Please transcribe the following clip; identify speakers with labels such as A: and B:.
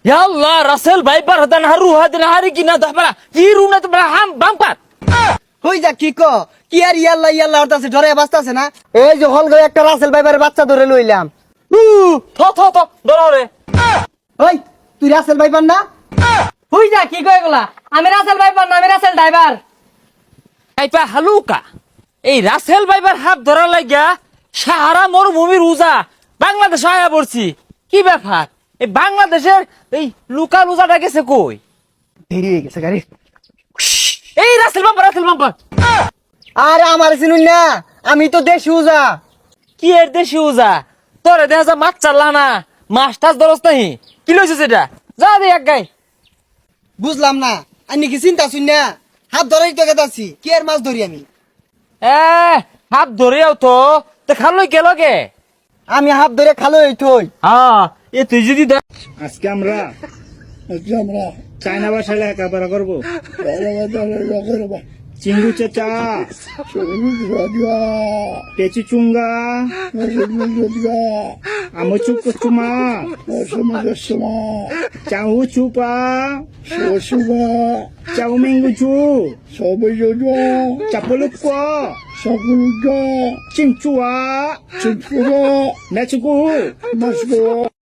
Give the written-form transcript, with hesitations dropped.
A: আল্লাহ Russell viper হাদান হারু হাদান হারি কিনা দহবারা কি রুনা তো হাম বাম্পার
B: হই যা কি কি আর ইয়াল্লা ইয়াল্লা হতাছে ধরে বাঁচতাছে না। এই যে হল গয়ে একটা রাসেল ভাইপারের বাচ্চা ধরে লইলাম।
A: থ দরারে
B: ওই তুই রাসেল ভাইপার না?
C: হই যা কি কয় এগুলা? আমি রাসেল ভাইপার না, আমি রাসেল ড্রাইভার।
A: ভাইপা হালুকা এই রাসেল ভাইপার হাত ধরা লাগিয়া সাহারা মরুভূমির উজা বাংলাদেশ আয়া পড়ছি। কি ব্যাপার এই বাংলাদেশের এই লুকা লুজাটা গেছে কই?
B: দেরি হয়ে গেছে গাড়ি।
A: এই রাসেল বাম্পার
B: আরে আমার চিনুন না, আমি তো দেশি উজা।
A: কি এর দেশি উজা তোরে দেখা যা মাছ চাল্লা না মাছ টাছ ধরস নাহি কি লইছে সেটা যা দে এক গাই।
B: বুঝলাম না আমি কি চিন্তা শুন না, হাত ধরেই তো গেতাছি। কি আর মাছ ধরি আমি?
A: হাত ধরেও তো খালই গেল গে।
B: আমি হাত ধরে খালো এই থই।
A: হ্যাঁ এ তুই যদি
D: আজকে আমরা চায়না ভাষায় লেখাপড়া করবো। চিঙ্গু চেচা পেচি চুঙ্গা আমুচু কুচুমা চাউ চুপা চাউ মেঙ্গুচু চাপলুক চিংচুয়া মেচুকু